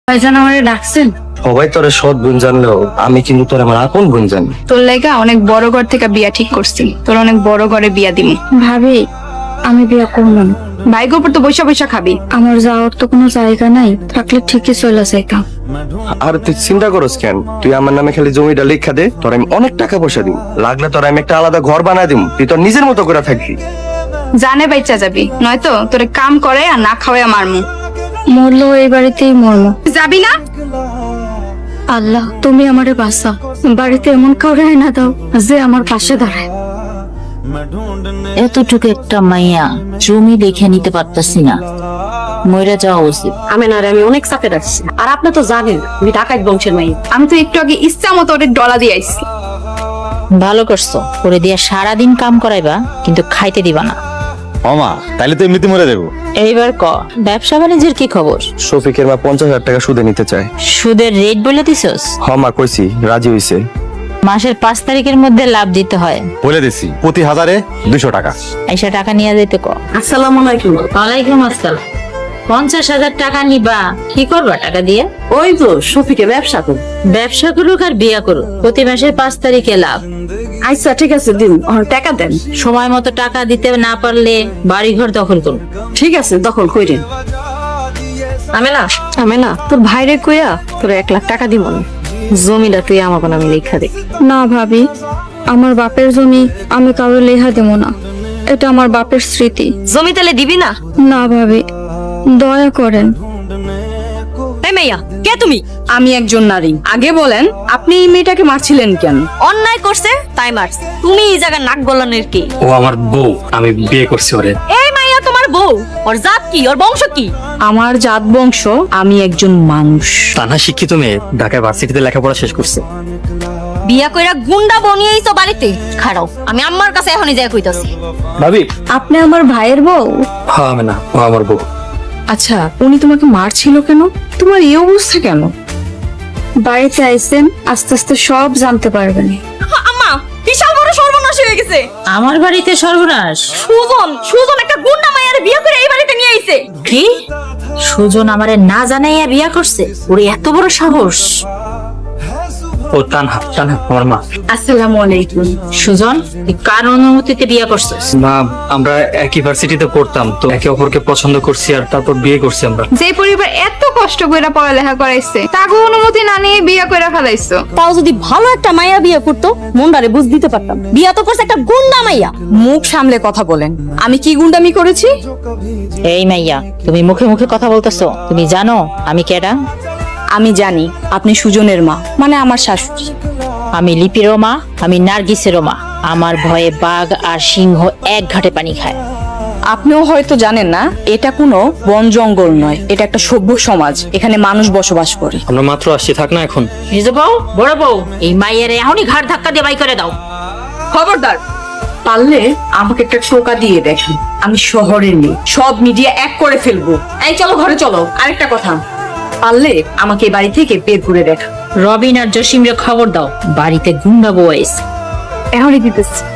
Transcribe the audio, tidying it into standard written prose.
ভাইজান আমারে ডাকছেন? সবাই তোরে সৎ বোন জানলেও আমি কিন্তু তোর আমার আপন বোন জানি। তোর লাইগা অনেক বড় ঘর থেকে বিয়া ঠিক করছি, তোর অনেক বড় ঘরে বিয়া দিমু। ভাবি আমি বিয়ে করব না। ভাইগোর উপর তো বৈশা বৈশা খাবি। আমার যাওয়ার তো কোনো জায়গা নাই, থাকলে ঠিকই চলে যাইতাম। আর তুই চিন্তা করস কেন? তুই আমার নামে খালি জমিটা লেখা দে, তোর আমি অনেক টাকা পয়সা দিব। লাগলে তোর আমি একটা আলাদা ঘর বানায় দিব, তুই তোর নিজের মতো করে থাকবি। জানে বাইচা যাবি, নয়তো তোরে কাম করে আর না খাওয়াই মারমু। মরলো এই বাড়িতেই মরমো। যাবি না? আল্লাহ তুমি আমারে বাঁচাও, বাড়িতে এমন কাউরে না দাও যে আমার পাশে দাঁড়ায়। এতটুকু একটা মাইয়া জমি লিখে নিতে পারতাছি না, মইরা যাওয়া উচিত। আমি অনেক চাপে রাখছি, আর আপনি তো জানেন আমি ডাকাত বংশের মাই। আমি তো একটু আগে ইচ্ছা মতো ওরে ডলা দিয়ে আইছি। ভালো করছো, করে দিয়া সারাদিন কাম করাইবা কিন্তু খাইতে দিবা না। মামা তাইলে তো এমনিতে মরে দেবো। এইবার ক, ব্যবসা বাণিজ্যের কি খবর? শফিকের মা 50,000 টাকা সুদে নিতে চায়। সুদের রেট বলে দিছস? হ মা, কইছি, রাজি হইছে। মাসের 5 তারিখের মধ্যে লাভ দিতে হয়। বলে দিছি প্রতি 1000-এ 200 টাকা। আইসা টাকা নিয়ে যেতে ক। আসসালামু আলাইকুম। ওয়ালাইকুম আসসালাম। 50,000 টাকা নিবা, কি করবা টাকা দিয়ে? ওই তো শফিকে ব্যবসা করি। ব্যবসা করুক আর বিয়া করুক, প্রতি মাসের 5 তারিখে লাভ। আচ্ছা ঠিক আছে, দিন টাকা দেন। সময় মতো টাকা দিতে না পারলে বাড়ি ঘর দখল করুন। ঠিক আছে, দখল কইরেন। আমি না তোর ভাইরে কইয়া তোর 1 লাখ টাকা দিব না, জমিটা তুই আমাকে নামে লেখা দে। না ভাবি, আমার বাপের জমি আমি কারো লেহা দেব না, এটা আমার বাপের স্মৃতি। জমি তাহলে দিবি না? না ভাবি, দয়া করেন। এই মাইয়া কে তুমি? আমি একজন নারী, আগে বলেন আপনি এই মেয়েটাকে মারছিলেন কেন? অন্যায় করছে তাই মারছ, তুমি এই জায়গা নাক গলানোর কি? ও আমার বউ, আমি বিয়ে করছি ওরে। এই মাইয়া তোমার বউ? ওর জাত কি, ওর বংশ কি? আমার জাত বংশ, আমি একজন মানুষ। তানা শিক্ষিত মেয়ে, ঢাকায় ভার্সিটিতে লেখাপড়া শেষ করছে। বিয়া কইরা গুন্ডা বনিয়েইছো বাড়িতে। খাড়াও, আমি আম্মার কাছে এখনই যাই কইতাছি। ভাবি, আপনি আমার ভাইয়ের বউ? হ্যাঁ আমি না, ও আমার বউ। আচ্ছা, উনি তোমাকে মারছিল কেন? তোমার এই অবস্থা কেন? বাড়িতে আইছেন, আস্তে আস্তে সব জানতে পারবেন। আম্মা, বিশাল বড় সর্বনাশ হয়ে গেছে। আমার বাড়িতে সর্বনাশ? সুজন একটা গুন্ডা মাইয়ারে বিয়া করে এই বাড়িতে নিয়ে আইছে। কি? সুজন আমারে না জানাইয়া বিয়া করছে? ওর এত বড় সাহস! ও তানহা, তানহা আমার মা। আসসালামু আলাইকুম। সুজন, তুই কার অনুমতিতে বিয়া করছিস? মা, আমরা একই ভার্সিটিতে পড়তাম, তো একে অপরকে পছন্দ করছি আর তারপর বিয়ে করছি আমরা। যে পরিবার এত কষ্ট করে পড়ালেখা করাইছে, তাকে অনুমতি না নিয়ে বিয়ে করে ফেলাইছো। তাও যদি ভালো একটা মাইয়া বিয়ে করতো, মনটারে বুঝ দিতে পারতাম। বিয়া তো করছে একটা গুন্ডা মাইয়া। মুখ সামলে কথা বলেন। আমি কি গুন্ডামি করেছি? এই মাইয়া, তুমি মুখে মুখে কথা বলতেছো, তুমি জানো আমি কেডা? আমি জানি আপনি সুজনের মা, মানে আমার শাশুড়ি। আমি লিপিরও মা, আমি নার্গিসেরও মা। আমার ভয়ে বাঘ আর সিংহ এক ঘাটে পানি খায়। আপনিও হয়তো জানেন না, এটা কোনো বন জঙ্গল নয়, এটা একটা সভ্য সমাজ, এখানে মানুষ বসবাস করে। আমরা মাত্র আসছি, থাক না এখন। নিজ বউ, বড় বউ, এই মাইয়ের এখনই ঘাড় ধাক্কা দিয়ে বাই করে দাও। খবরদার, পারলে আমাকে একটা টোকা দিয়ে দেখেন। আমি শহরের মেয়ে, সব মিডিয়া এক করে ফেলবো। এই চলো ঘরে চলো। আরেকটা কথা, পারলে আমাকে এই বাড়ি থেকে বের করে দেখ। রবিন আর জসিমরে খবর দাও, বাড়িতে গুন্ডা বউ আইছে। এখনই দিতেছি।